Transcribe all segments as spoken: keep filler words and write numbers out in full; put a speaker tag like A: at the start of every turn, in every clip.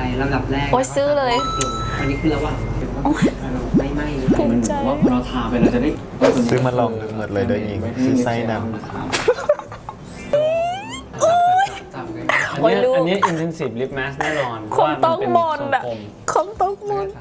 A: ลำดับแรก
B: โอ้ยซื้อเลย
A: อันนี้คือระหว่างไม่ไหม้
B: ภูมิใจ
C: ว่าเราทาไปเราจะได้
D: ซื้อมาลองหมดเลยโดยยิงซื้อไส้ดำ
C: อันนี้อันนี้ intensive lip mask แน่นอน
B: คงต้องมนอ่ะคงต้องมน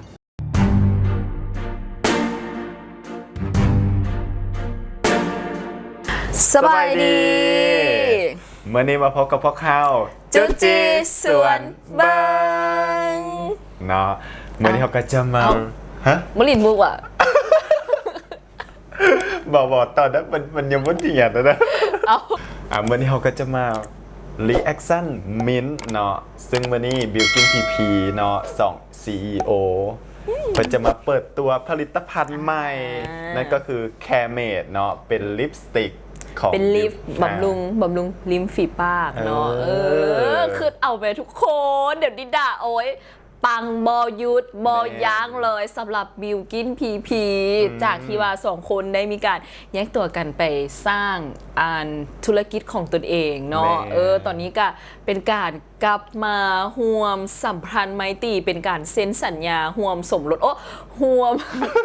B: สบายดี
D: เมื่อนี้มาพบกับพวกเขา
B: จุจีสวนบัง
D: เนาะเมื่อนี้เขาก็จะมาฮะ
B: มลินมุกอ่ะ
D: บอกบอกตอนนั้นมันมันยังไม่เดียดนะเอาอ่ะเมื่อนี้เขาก็จะมา reaction mint เนาะซึ่งเมื่อนี้บิวกิ้นพีพีเนาะสอง ซี อี โอ เขาจะมาเปิดตัวผลิตภัณฑ์ใหม่นั่นก็คือ Care-Made เนาะเป็นลิปสติก
B: เป็นลิฟบำรุงบำรุงริมฝีปากเนาะเออคือเอาไปทุกคนเดี๋ยวดิด่าโอ้ยปังบอยุดบอยั้งเลยสำหรับบิวกินพีพีจากที่ว่าสองคนได้มีการแยกตัวกันไปสร้างอันธุรกิจของตนเองเนาะเออตอนนี้ก็เป็นการกลับมาห่วมสัมพันธ์ไมตรีเป็นการเซ็นสัญญาห่วมสมรสโอ้ห่วม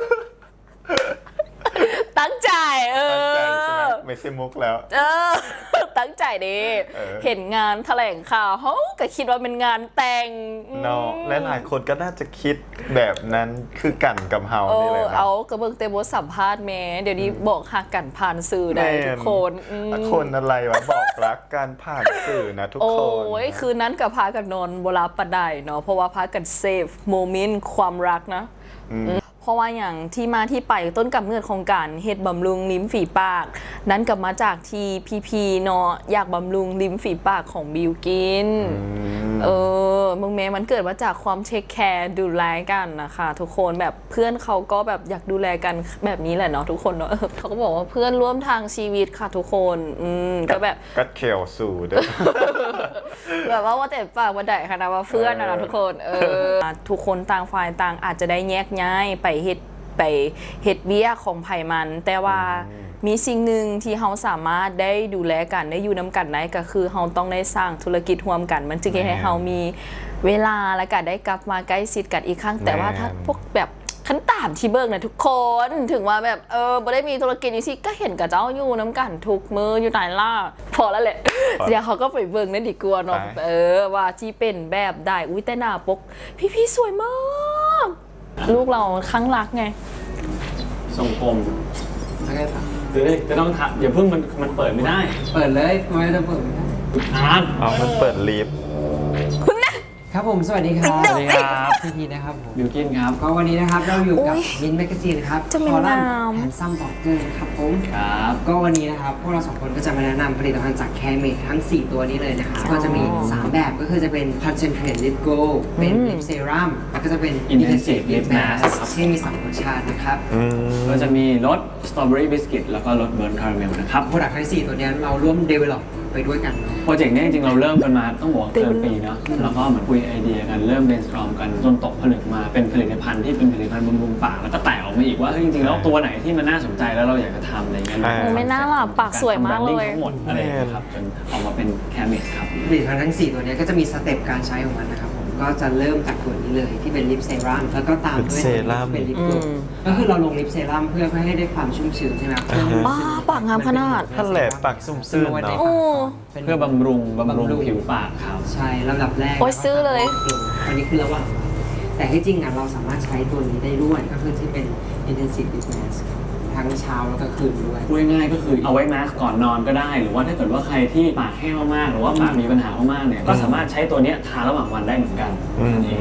B: ตั้งใจเออ
D: ไม่ใช่มุกแล้ว
B: เออตั้งใจดิเห็นงานแถลงข่าวเขาก็คิดว่าเป็นงานแต่ง
D: เนาะและหลายคนก็น่าจะคิดแบบนั้นคือกันกับเฮานี่แหละ
B: เอากระเบื้องเตบสัมภาษณ์แม่เดี๋ยวนี้บอกหักกันผ่านสื่อได้ทุกคน
D: คนอะไรวะบอกรักการผ่านสื่อนะทุกคน
B: โอ้ยคืนนั้นกับพากันนอนโบราณปะไดเนาะเพราะว่าพากันเซฟโมเมนต์ความรักนะเพราะว่าอย่างที่มาที่ไปต้นกำเนิดของการเฮ็ดบำรุงลิ้มฝีปากนั้นกลับมาจากที่พีพีเนาะอยากบำรุงลิ้มฝีปากของบิวกินเออมึงแม้มันเกิดมาจากความเทคแคร์ดูแลกันนะคะทุกคนแบบเพื่อนเขาก็แบบอยากดูแลกันแบบนี้แหละเนาะทุกคนเนาะเขาก็บอกว่าเพื่อนร่วมทางชีวิตค่ะทุกคนอืมก็แบบ
D: กัดเขียวสู่เด้อ
B: แบบว่าว่าแต่ปากว่าได้ค่ะนะว่าเพื่อนนะทุกคนเออทุกคนต่างฝ่ายต่างอาจจะได้แยกย้ายไปเฮ็ดไปเฮ็ดเบี้ยของไผ่มันแต่ว่ามีสิ่งหนึ่งที่เราสามารถได้ดูแลกันได้อยู่น้ำกันได้ก็คือเราต้องได้สร้างธุรกิจร่วมกันมันจึงให้เรามีเวลาและก็ได้กลับมาใกล้ชิดกันอีกครั้งแต่ว่าถ้าพวกแบบขั้นตามที่เบิกนะทุกคนถึงว่าแบบเออบ่ได้มีธุรกิจนี้สิก็เห็นกับเจ้าอยู่น้ำกันทุกมืออยู่ไหนล่ะพอแล้วแหละเดี๋ยวเขาก็ไปเบิกนั่นดีกว่าเนาะเออว่าที่เป็นแบบได้อุ้ยแต่หน้าปกพี่ๆสวยมากลูกเราข้างรักไง
C: ทรงกลมเดี๋ยวจะต้องทับอย่าเพิ่งมันมันเปิดไม่ได้
A: เปิดเลยไม่ต้องเปิด
C: อ่าน
D: อ๋อมันเปิดลิฟต์
B: คุณนะครับ
A: ผมสวัสดีครับ
C: สวัสดีครับ
A: พี่พีนะครับผม
C: บิวกินครับ
A: ก็วันนี้นะครับเราอยู่กับมินแมกซีนครับ
B: คอลัมน์
A: แฮนซัมบ็อกเกอร์ครับผม
C: ครับ
A: ก็วันนี้นะครับพวกเราสองคนก็จะมาแนะนำผลิตภัณฑ์จากแคร์เมดทั้งสี่ตัวนี้เลยนะครับก็จะมีสามแบบก็คือจะเป็น Concentrate Lip Glow เป็น Lip Serum แล้วก็จะเป็น
C: Intensive Lip Mask
A: ที่มีสองรสชาตินะครับ
C: ก็จะมีรส Strawberry Biscuit แล้วก็รส Burnt Caramel นะครับ
A: โปรดักต์ทั้งสี่ตัวนี้เราร่วม develop ไปด้วยกัน
C: โปรเจกต์นี้จริงๆเราเริ่มกันมาต้องบอกเกินปีเนาะแล้วก็เหมือนคุยไอเดียกันเริ่ม brainstorm กันจนตกผลึกมาเป็นผลิตภัณฑ์ที่เป็นผลิตภัณฑ์บำรุงปากแล้วก็แตกออกมาอีกว่าจริงๆแล้วตัวไหนที่มันน่าสนใจแล้วเราอยากจะทำอะไรเงี้ย
B: ไม่น่าหลับปากสวยมากเลย
C: ทั้งหมดอะไรครับจนออกมาเป็นแคร์เมดครับ
A: ผลิตภัณฑ์ทั้งสี่ตัวนี้ก็จะมีสเต็ปการใช้ของมันนะครับผมก็จะเริ่มจากตัวนี้เลยที่เป็นลิปเซรั่มแล้วก็ตามด้วยเป็นลิปโกลว์ก็คือเราลงลิปเซรั่มเพื่อให้ได้ความชุ่มชื้นใช่ไหมครับ
B: ป้าปากงามขนาด
D: นั่นแหละปากชุ่มชื้นเนาะ
C: เพื่อบำรุงบำรุงผิวปากครับ
A: ใช่ลำดับแรก
B: โอ้ยซื้อเลย
A: อันนี้คือระหว่างแต่ที่จริงอ่ะเราสามารถใช้ตัวนี้ได้ด้วยก็คือที่เป็น intensive lip mask ทั้งเช้าแล้วก็คืนด้วย
C: พูดง่ายๆก็คือเอาไว้มาสก์ก่อนนอนก็ได้หรือว่าถ้าเกิดว่าใครที่ปากแห้งมากๆหรือว่าปากมีปัญหามากๆเนี่ยก็สามารถใช้ตัวนี้ทาระหว่างวันได้เหมือนกันนี่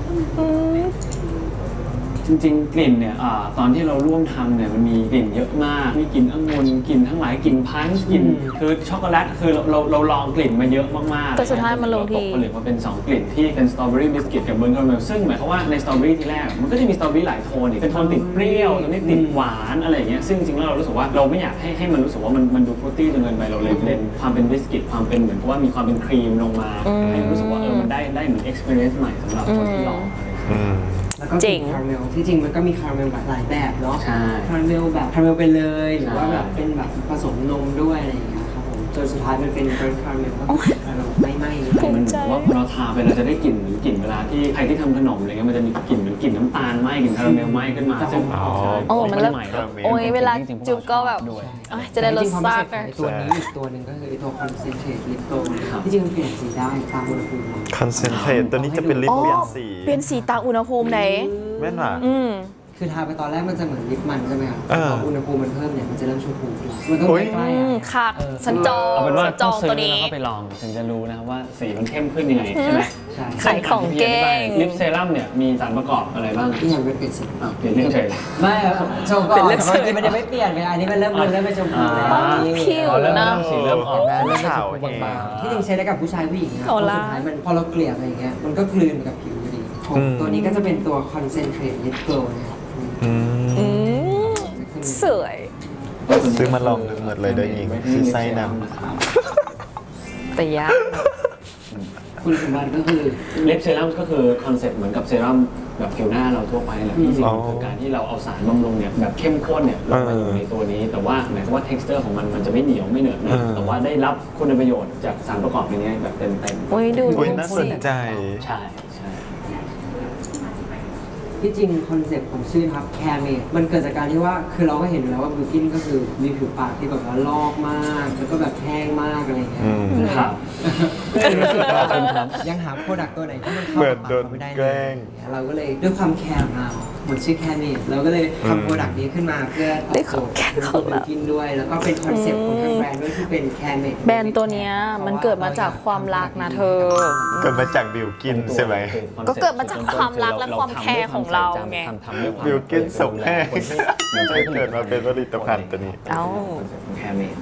C: จริงๆกลิ่นเนี่ยอตอนที่เราร่วมทำเนี่ยมันมีกลิ่นเยอะมากมีกลิ่นองุ่นกลิ่นทั้งหลายกลิ่นพันช์กลิ่นคือช็อกโกแลตคือเราเราลองกลิ่นมาเยอะมากๆ
B: แต่สุดท้ายมันลงที่
C: ตกผลึกมาเป็นสองกลิ่นที่เป็นสตรอเบอรี่บิสกิตกับเบิร์นคาราเมลซึ่งหมายความว่าในสตรอเบอรี่ที่แรกมันก็จะมีสตรอเบอรี่หลายโทนอีกเป็นโทนติดเปรี้ยวตรงนี้ติดหวานอะไรอย่างเงี้ยซึ่งจริงๆแล้วเรารู้สึกว่าเราไม่อยากให้ให้มันรู้สึกว่ามันมันดูฟรุตตี้จนเกินไปเราเลยเล่นความเป็นบิสกิตความเป็นเหมือนกับว่ามีความเป็นครีมลงมาให้รู้สึกว่าเออมันได้ได้เหมือน experience ใหม่สำหรับคนที่ลอง
A: แล้วก็คาราเมลที่จริงมันก็มีคาราเมลแบบหลายแบบเนาะ
C: ใช่
A: คาราเมลแบบคาราเมลไปเลยหรือว่าแบบเป็นแบบผสมนมด้วยอะไรอย่างเงี้ยครับผมจนสุดท้ายมันเป็นเบรนคาราเมลก็เราไม่ไหม้เลย
B: ภู
C: มัน
B: มิใจ
C: ว่าพอเราทาไปเราจะได้กลิ่นเหมือนกลิ่นเวลาที่ใครที่ทำขนมอะไรเงี้ยมันจะมีกลิ่นเหมือนกลิ่นน้ำตาลไหม้กลิ่นคาราเมลไหม้ขึ้นมาซึ่ง
D: อ๋อ
B: โอ้มันเริ่ม
C: ใหม่แล้ว
B: โอ้ยเวลาจุ๊บก็แบบ
C: ด้วย
B: เอ้ยจะได้รสชาติ
A: ไอ้ตัวนี้อีกตัวหนึ่งก็คือไอ้ตัวคอนเซนเทรตลิปโตน
C: ครับ
A: ที่จริงมันเปลี่ยนสีได้ตามอุณหภูมิ
D: คอนเซนเทรตตัวนี้จะเป็นลิป
B: อ๋อ
D: เปลี่ยนสี
B: เปลี่ยนสีตามอุณหภูมิไหน
D: แม่นว่ะ
B: อืม
A: คือทาไปตอนแรกมันจะเหมือนลิปมันใช่ไหมครับ
D: เออ
A: พออุณหภูมิมันเพิ่มเนี่ยมันจะเริ่มชมพูขึ้นมันต้อง
D: โอ้ย
A: ใกล้
B: อื
A: ๆ
B: ม
A: อะ
B: ค่ะ
A: เออ
B: ฉันจอง
C: เอาเป็นว่า
B: ฉันจ
C: ต้
B: อ
C: อง งซื้
B: ตั
C: อ
B: วนี้
C: แล้วก็ไปลองถึงจะรู้นะครับว่าสีมันเข้มขึ้นยังไงใช่ไหม
A: ใช่
B: ขายของเก่ง
C: ลิปเซรั่มเนี่ยมีสารประกอบอะไรบ้าง
A: ที่ยังไม่เปลี่ยนสี
C: อ่ะเปลี่ยนเรื่องเฉย
A: ไม่ครับโชว์ก่อน
B: เป็นเล็บ
A: แต่
B: เสริ
A: ว่าม เมื่อกี้มันยังไม่เปลี่ยนไงอันนี้มันเริ่มเริ่มเริ่มเป็นชมพูแล้ว
C: อ่า
A: นี่
B: ผิว
C: อ๋อเริ่ม
B: นะ
C: เริ่มสีเริ่มออก
A: เห็นไหมเริ่มเป็นช
D: ขาว
A: มพู
D: เอง
A: บางๆที่จริงใช้ได้กับผู้ชายผู้หญิงนะ
B: เอา
A: เพราะ
B: ล่ะ
A: สุดท้ายมันพอเราเกลี่ยไปอย่างเงี้ยมันก็กลืนไปกับผิวอยู่ดีของ
D: อืม
A: ตัวนี้ก็จะเป็นตัวคอนเซนเทรตลิปโกลนะครับ
D: อืม
B: อืมสวย
D: ซื้อมาลองหมดเลยเด้อหญิงซื้อไส้น
B: แต่ยาก
A: คุณสมบัติก็คือ
C: ลิปเซรั่มก็คือคอนเซ็ปต์เหมือนกับเซรั่มแบบผิวหน้าเราทั่วไปแหละที่จริงๆคือการที่เราเอาสารบำรุงเนี่ยแบบเข้มข้นเนี่ยลงมาอยู่ในตัวนี้ แต่ว่าหมายความว่า texture ของมันมันจะไม่เหนียวไม่เหนอะหนะแต่ว่าได้รับคุณประโยชน์จากสารประกอบในนี้แบบเต็มๆ
B: โอ้ยดู
D: อุ้ยน่าสนใจ
C: ใช่ใช่
A: ที่จริงคอนเซ็ปต์ของชื่อนะครับแคร์เมดมันเกิดจากการที่ว่าคือเราก็เห็นอยู่แล้วว่าบิวกินก็คือมีผิวปากที่แบบว่าลอกมากแล้วก็แบบแห้งมากอะไรเงี้ย
D: อืม
C: ครับ
A: รู้สึกว่ายังหาโปรดักต์ตัวไหนที่มันเข้า
D: เหมื
A: กั
D: อบ น
A: ปาก
D: โดน
A: เราไม่ได้
D: แกล้ง
A: เลยเราก็เลยด้วยความแคร์ของเราเหมือนชื่อแคร์เมดเราก็เลย
D: อืม
A: ทำโปรดักต์นี้ขึ้นมาเพื่อตอบโจทย์ตัวบิวกินด้วย แล้วก็เป็นคอนเซ็ปต์ของทางแบรนด์ด้วยที่เป็นแคร์เมด
B: แบรนด์ตัวเนี้ยมันเกิดมาจากความรักนะเธอ
D: เกิดมาจากบิวกินใช่ไหม
B: ก็เกิดมาจากความรักและความแคร์ของเราไง
C: ทำด้วยความ
D: บิวกินส่งแห้ง
C: มัน
D: ใช่เกิดมาเป็นผลิตภัณฑ์ตัวนี้
B: เอ้า
C: แคร์เมด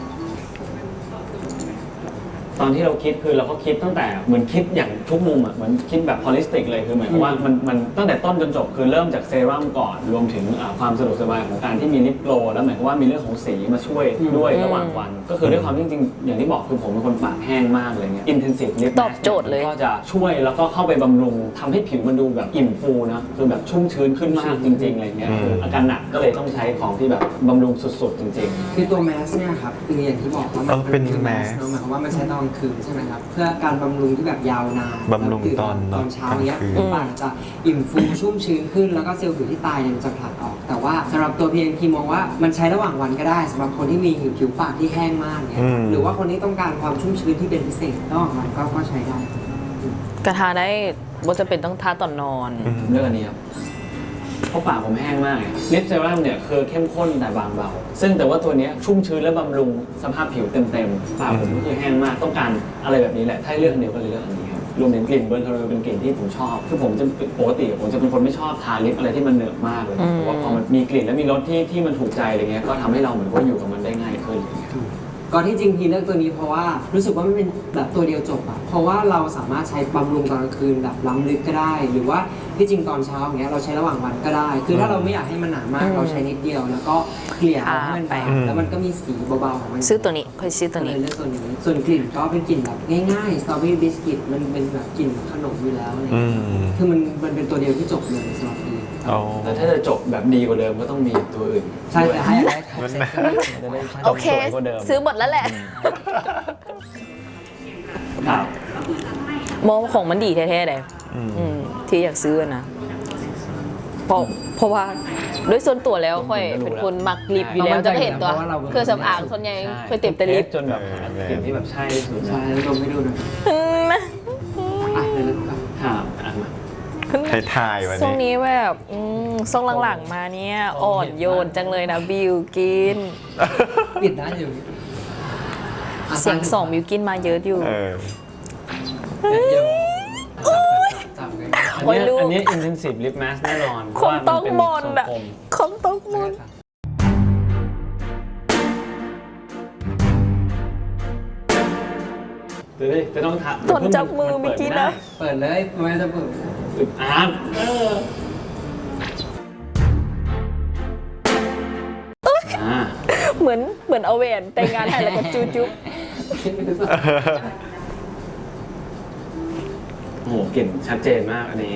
C: ตอนที่เราคิดคือเราก็คิดตั้งแต่เหมือนคิดอย่างทุกมุมอ่ะเหมือนคิดแบบฮอลิสติกเลยคือหมายความว่ามันมันตั้งแต่ต้นจนจบคือเริ่มจากเซรั่มก่อนรวมถึงอ่าความสะดวกสบายของการที่มีลิปโกลว์แล้วหมายความว่ามีเรื่องของสีมาช่วยด้วยระหว่างวัน ก็คือด้วยความที่จริงๆอย่างที่บอกคือผมเป็นคนปากแห้งมากเลยเนี่ยอินเทนซีฟลิป
B: ตอบโจทย์เลย
C: ก็จะช่วยแล้วก็เข้าไปบำรุงทำให้ผิวมันดูแบบอิ่มฟูนะคือแบบชุ่มชื้นขึ้นมากจริงๆอะไรเงี้ย
D: อืม
C: คืออาการหนักก็เลยต้องใช้ของที่แบบบำรุงสุดๆจริงๆ
A: คือตัวแมสเนี่ยครับคืออย่างที่บอกว่า
D: เออเป็น
A: คือ
D: แมส
A: เนาะหมายความว่ามันใช้ตอนกลางคืนใช่ไหมครับเพื่อการบำรุงที่แบบยาวนาน
D: บำรุง
A: แล้ว
D: ตอน
A: ตอนเช้าเนี้ย
D: กลางคืน
A: ผิวปากจะอิ่มฟูชุ่มชื้นขึ้นแล้วก็เซลล์ผิวที่ตายเนี่ยมันจะผลัดออก แต่ว่าสำหรับตัวพีเอ็นพีมองว่ามันใช้ระหว่างวันก็ได้สำหรับคนที่มีผิวปากที่แห้งมากเนี่ย
D: อืม
A: หรือว่าคนที่ต้องการความชุ่มชื้นที่เป็นพิเศษระหว่างวันก็ก็ใช้ได้
B: กระทาได้ว่าจะเป็นต้องทาตอนนอน
C: ผมเลือกอันนี้ครับเพราะปากผมแห้งมากลิปเซรั่มเนี่ยคือเข้มข้นแต่บางเบา ซึ่งแต่ว่าตัวเนี้ยชุ่มชื้นและบำรุงสภาพผิวเต็มๆ ปากผมก็คือแห้งมาก ต้องการอะไรแบบนี้แหละ ถ้าให้เลือกอันเดียวก็เลยเลือกอันนี้ครับ รวมถึงกลิ่นเบิร์นคาราเมลเป็นกลิ่นที่ผมชอบ คือผมจะปกติผมจะเป็นคนไม่ชอบทาลิปอะไรที่มันเหนอะมากเลย
B: อืม
C: แต่ว่าพอมันมีกลิ่นและมีรสที่ที่มันถูกใจอะไรเงี้ย ก็ทำให้เราเหมือนว่าอยู่กับมันได้ง่ายขึ้น
A: ก็ที่จริงพีเลือกตัวนี้เพราะว่ารู้สึกว่ามันเป็นแบบตัวเดียวจบอะเพราะว่าเราสามารถใช้บำรุงตอนกลางคืนแบบล้ำลึกก็ได้ หรือว่าที่จริงตอนเช้าอย่างเงี้ยเราใช้ระหว่างวันก็ได้ คือถ้าเราไม่อยากให้มันหนามาก
B: อืม
A: เราใช้นิดเดียว แล้วก็เกลี่ยเอาให้มัน
B: ทาไป
A: บางแล้วมันก็มีสีเบาๆของมัน
B: ซื้อตัวนี้ค่อยซื้อตัว
A: ก็เล
B: นี้
A: ยเลือกตัวนี้ ส่วนกลิ่นก็เป็นกลิ่นแบบง่ายๆสตรอเบอรี่บิสกิตมันเป็นแบบกลิ่นขนมอยู่แล้วอะไร
D: อื
A: เงี้ย
D: ม
A: คือมันมันเป็นตัวเดียวที่จบเลยสำหรับพี
D: อ๋อ
C: แต่ถ้าจะจบแบบดีกว่าเดิมก็ต้องมีตัวอื่น
A: ใช่
C: ด้วย
A: แต่ให้อะไรท็อปเซ็ตก็ได้
C: จะได้
B: โอเค
C: สวยกว่าเดิม
B: ซื้อหมดแล้วแหละ
C: ครับ
B: มองของมันดีแท้ๆเลย
D: อืม
B: อืมที่อยากซื้อนะ เพราะเพราะว่าด้วยส่วนตัวแล้วค่อยเป็นคนมักลิปอยู่แล้วจะเห็นตัวเครื่องสำอางส่วนใหญ่ค่อยเต็มแต่ลิป
C: จนแบบหากลิ่นที่แบบใช่ที่สุด
A: ใช่
C: นะ
A: ลองให้ดูหน่อย
B: อืมนะ
A: อ่ะเดี๋ยวเริ่มก่อน
C: ครับอ่ะมา
D: ไทยๆวัน
B: ช่วง
D: นี้
B: นี้แบบอืมช่วงหลังๆมาเนี่ยอ่อนโยนจังเลยนะบิวกิน
A: ปิดได้อยู่ะ
B: เสียงสองบิวกินมาเยอะอยู่
D: เออ
A: เดี๋ยวจับกัน
C: อัน
B: โอ้ย
C: เนี้ย
B: ลูก
C: อันเนี้ย intensive lip mask แน่นอน
B: คงต้องมน
C: ต์
B: อ่ะคงต้องมน
C: เดี๋ยวดิจะต้องทำ
B: ตอนจับมือเมื่อกี้นะ
A: เปิดเลยไม่จะเปิด
C: อึดอัดเอออ่า
B: เหมือนเหมือนเอาแหวนแต่งงานให้แล้วก็จูจุ๊บ
C: โอ้โหกลิ่นชัดเจนมากอันนี้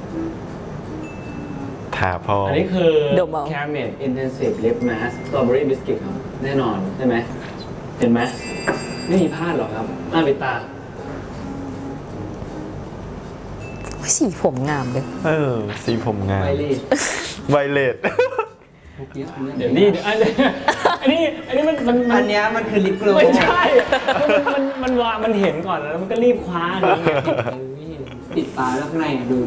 D: ถาพอ
C: อันนี้คือ
B: ดมเอา
C: Caramel Intensive Lip Mask Strawberry Biscuit ครับ แน่นอนใช่ไหมเห็นไหมไม่มีพลาดหรอกครับหน้าปิดตา
B: สีผมงามเลย
D: เออ สีผมงาม
A: ไปเลย
D: ไวเลต
C: เดี๋ยวนี่เดี๋ยวอันนี้อันนี้อันนี้มันมันมั
A: อั
C: น
A: นเนี้ยมันคือลิปโกล
C: ไม่ใช่มันมันมันวางมันเห็นก่อนแล้วมันก็รีบคว้าอย่างนี้ไง
A: ปิดตาแล้วข้างในอ่ะดูดู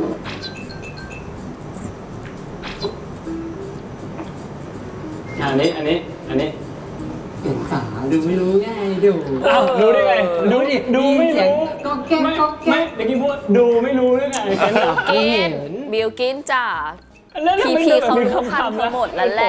C: อันนี้อันนี้อันนี้
A: ปิดตาดูไม่รู้ไงดู
C: อ้าวรู้ได้ไง
A: ดูดิ
C: ดูไม่
A: เสียง
C: รู้
A: ก็แก๊ก
C: ไม่
A: ก็แก๊
C: ไม่
A: ก
C: เดี๋ยวกี้พูดดูไม่รู้ได้ไงฉันเหรอ
B: กินบิลกินจ้า
C: แล้ว
B: พี
C: ไม่
B: พี
C: ดิน
B: เขา
C: แบบ
B: รู้
C: มี
B: ทัน
C: คำๆ
B: เขาหมดแล้วแหละ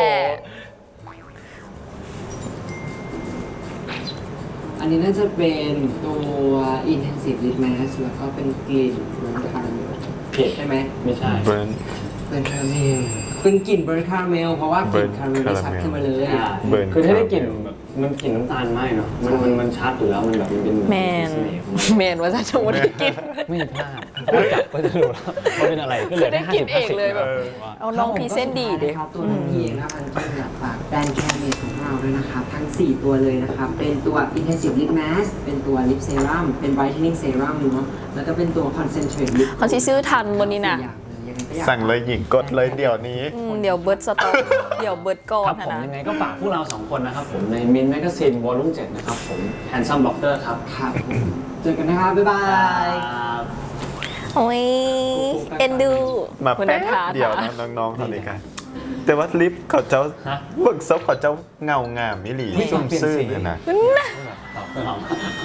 A: อันนี้น่าจะเป็นตัว intensive lip mask แล้วก็เป็นกลิ่นเบิร์นคาราเมล
C: ผิด
A: ใช่ไหม
C: ไม่ใช่
D: เบิร์น
A: เบิร์นคาราเมลเป็นกลิ่นเบิร์นคาราเมลเพราะว่ากลิ่น
D: Burn
A: คาราเมลได้ชัดขึ้นมาเลย
D: เบิร์น
C: คือถ้าได้กลิ่นแบบมันกลิ่นน้ำตาลไหมเนาะมันมันมันชัดอยู่แล้วมันแบบมันเป็น
B: แมน
C: เสห์ของมัน
B: แมนว่าจะชมได้กิน
C: ไม่พลาดจับก็จะรู้แล้วว่าเป็นอะไรก็เหลือ
B: ได้
C: แค่
B: กินเองเลยแบบ
C: ห้าสิบ
B: เอาน้องพรีเซนต์ดีเด็
A: ครับตัวน้องพีเองนะพันกินเนี่ยฝากแบรนด์แคร์เมดของเราด้วยนะครับ ทั้ง สี่ ตัวเลยนะครับ เป็นตัว intensive lip mask เป็นตัว lip serum เป็น brightening serum เนาะแล้วก็เป็นตัว concentrate lip
B: เขาที่ซื้อทันวันนี้นะ
A: สี่อย่างเลยยังไงก็อยาก
D: สั่งเลยหญิงกดเลยเดี๋ยวนี้
B: อืมเดี๋ยวเบิร์ดสต็อกเดี๋ยวเบิร์ดก่อ
C: คน รับผม
B: นะ
C: ยังไงก็ฝากพวกเราสองคนนะครับผมในมินแมกกาซีนวอลลุ่มเจ็ดนะครับผม Handsome Doctor ครับ
A: ครับผมเจอกันนะครับ บ๊ายบาย
B: โอ้ยเอ็นดู
D: มา
B: คุณ
D: แป๊บ
B: ทา
D: เดียวนะน้องๆเขาเลยกัน แต่ว่าลิฟต์เขาเจ้า
C: ฮะ
D: เบิกซบเขาเจ้าเงางามมิหลี
C: ไม่
D: ซุ่ม
C: เปลี่ยน
D: ซื่อ
C: สี
D: เนี่ยนะ
C: ตอบไม่ออก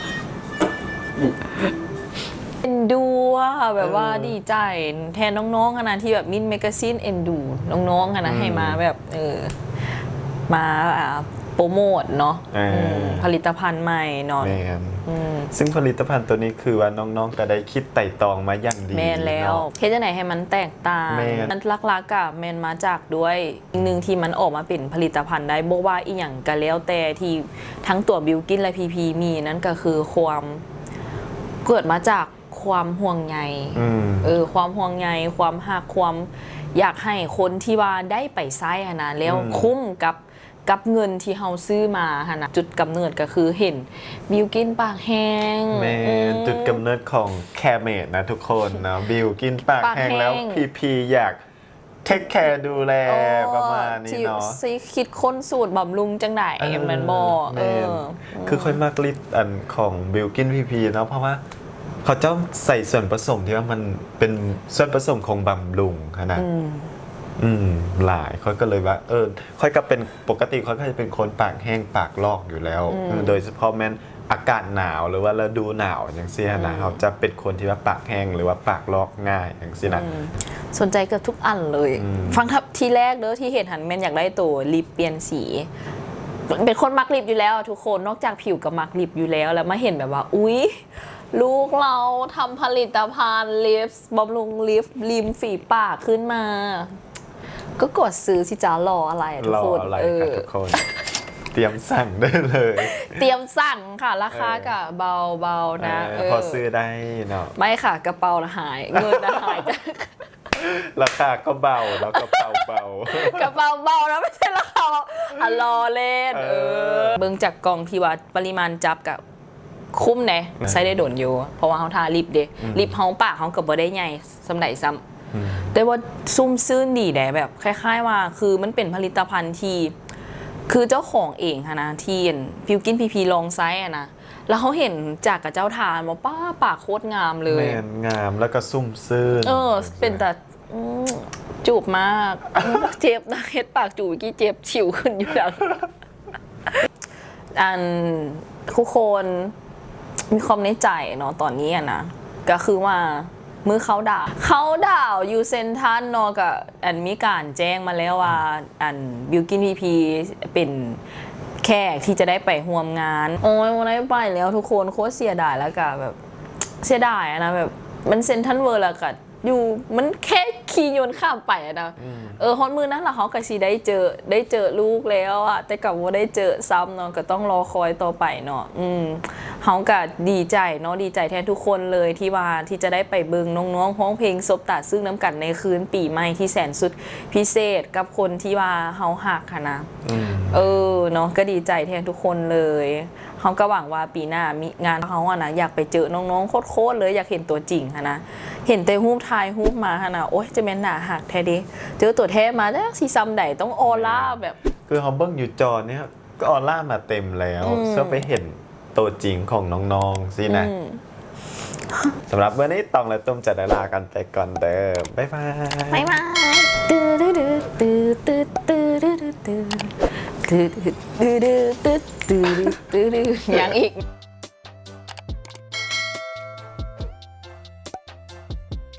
B: เอ็นดูอะแบบว่าดีใจแทนน้องๆอะนะที่แบบมินแมกกาซีนเอ็นดูน้องๆอะนะให้มาแบบเออมาอ่าโปรโมทเนาะ
D: เอออื
B: มผลิตภัณฑ์ใหม่เนาะ
D: แมน
B: อืม
D: ซึ่งผลิตภัณฑ์ตัวนี้คือว่าน้องๆก็ได้คิดไต่ตองมาอย่างดี
B: แมนแล้ว
D: เนาะ
B: เฮ็ดจังไหนให้มันแตกต่าง
D: แม่น
B: มันลักๆอะแมนมาจากด้วยอีกหนึ่งที่มันออกมาเป็นผลิตภัณฑ์ได้บอกว่าอีหยังก็แล้วแต่ที่ทั้งตัวบิวกินและพีพีมีนั่นก็คือความเกิดมาจากความห่วงใย
D: อืม
B: เออความห่วงใยความหักความอยากให้คนที่ว่าได้ไปไซส์นะแล้ว
D: อืม
B: คุ้มกับกับเงินที่เฮาซื้อมาหนะจุดกำเนิดก็คือเห็นบิวกินปากแห้ง
D: แม
B: อื
D: นจุดกำเนิดของแคร์เมดนะทุกคนเนาะบิวกินปาก
B: ปาก
D: แห้ง
B: แห้ง
D: แล้วพีพีอยากเทคแคร์ดูแลประมาณนี้
B: ที่
D: เนาะ
B: สิคิดค้นสูตรบำรุงจังได
D: เออ
B: แมันบอ
D: แม
B: เอน อ
D: คือค่อยมากลิปอันของบิลกินพีพีเนาะเพราะว่าเขาเจ้าใส่ส่วนผสมที่ว่ามันเป็นส่วนผสมของบำรุงขนาด
B: อืม
D: อืมหลายค่อยก็เลยว่า เออ ค่อยก็เป็นปกติค่อยก็จะเป็นคนปากแห้งปากลอกอยู่แล้ว
B: อืม
D: โดยเฉพาะแม้นอากาศหนาวหรือว่าฤดูหนาวอย่างเสียนะเขาจะเป็นคนที่ว่าปากแห้งหรือว่าปากลอกง่ายอย่างเสียนะ
B: อืมสนใจเกือบทุกอันเลย
D: อืม
B: ฟังทับทีแรกเด้อที่เห็นหันแม่นอยากได้ตัวลิปเปลี่ยนสี เป็นคนมักลิปอยู่แล้วอะทุกคนนอกจากผิวกับมักลิปอยู่แล้ว แล้วมาเห็นแบบว่า อุ๊ย ลูกเราทำผลิตภัณฑ์ลิปบำรุงลิปริมฝีปากขึ้นมา ก็กดซื้อสิจ้ารออะไรอะทุก
D: รอ
B: คน
D: อะไร
B: เอ
D: ครับ
B: อ
D: ทุกคน เตรียมสั่งได้เลย
B: เตรียมสั่งค่ะ ราคากับเบาๆนะ
D: เออ
B: เออ
D: พอซื้อได้เนาะ
B: ไม่ค่ะกระเป๋าหาย เงินนะหายจาก
D: ราคาก็เบาแล้วก็เบาเบา
B: กระเป๋าเบานะไม่ใช่ราคาอ่ะรอเล่น
D: เอ
B: เอ
D: อ
B: อ เบิ่งจากกล่องที่ว่าปริมาณจับกับคุ้มแน่ใช้ได้โดนอยู่ เพราะว่าเขาทาลิปเด้ลิปเฮาปากเขากับบ่ได้ใหญ่สำใดซ้ำ
D: อืม
B: แต่ว่าซุ่มซื่นดีแด่แบบคล้ายๆว่า คือมันเป็นผลิตภัณฑ์ที่ คือเจ้าของเองค่ะนะที่ฟิวกินพีพีลองไซส์อะนะแล้วเขาเห็นจากกับเจ้าทานมาป้าปากโคตรงามเลย
D: แมนงามแล้วก็ซุ่มซื่น
B: เออ เป็นแต่อืมจูบมาก เจ็บนะเฮ็ดปากจูบเมื่อกี้เจ็บฉิวขึ้นอยู่ดัง อันทุกคนมีความในใจเนาะตอนนี้อะนะ ก็คือว่ามือเขาด่าวเขาด่าวยูเซนทันเนาะกับอันมีการแจ้งมาแล้วว่าอันบิวกินพีพีเป็นแขกที่จะได้ไปร่วมงาน โอ้ยวันนี้ไปแล้วทุกคนโคตรเสียดายแล้วกับแบบเสียดายอะนะแบบมันเซนทันเวิร์แล้วกับอยู่มันแค่ขี่ยนต์ข้ามไปอะนะเออฮอนมือนั้นละเขาก็สิได้เจอได้เจอลูกแล้วอะแต่กับว่าได้เจอซ้ำเนาะก็ต้องรอคอยต่อไปเนาะอืมเขาก็ดีใจเนาะดีใจแทนทุกคนเลยที่ว่าที่จะได้ไปเบิงน้องๆร้องเพลงซบตาซึ่งน้ำกันในคืนปีใหม่ที่แสนสุดพิเศษกับคนที่ว่าเขาหักค่ะนะ
D: อืม
B: เออเนาะก็ดีใจแทนทุกคนเลยเขาก็หวังว่าปีหน้ามีงานเขาอะนะอยากไปเจอน้องๆโคตรๆเลยอยากเห็นตัวจริงอะนะเห็นแต่รูปถ่ายรูปมาฮะนะโอ๊ยจะเป็นหนาหักแท้ดิเจอตัวแท้มาแล้วซีซัมใดต้องออร่าแบบ
D: คือเขาเบิ้งอยู่จอเนี่ยครับก็ออร่ามาเต็มแล้ว
B: อืม
D: เพื่อไปเห็นตัวจริงของน้องๆสินะ
B: อืม
D: สำหรับวันนี้ตองและตุ้มจะได้ลากันไปก่อนเด้อบ๊ายบาย
B: บ๊ายบายตื้อตื้อตื้อตื้อตื้อตื้อตื้อตื้อตื้อตื้อตื้อตื้อตื้อตื้ออย่างอีก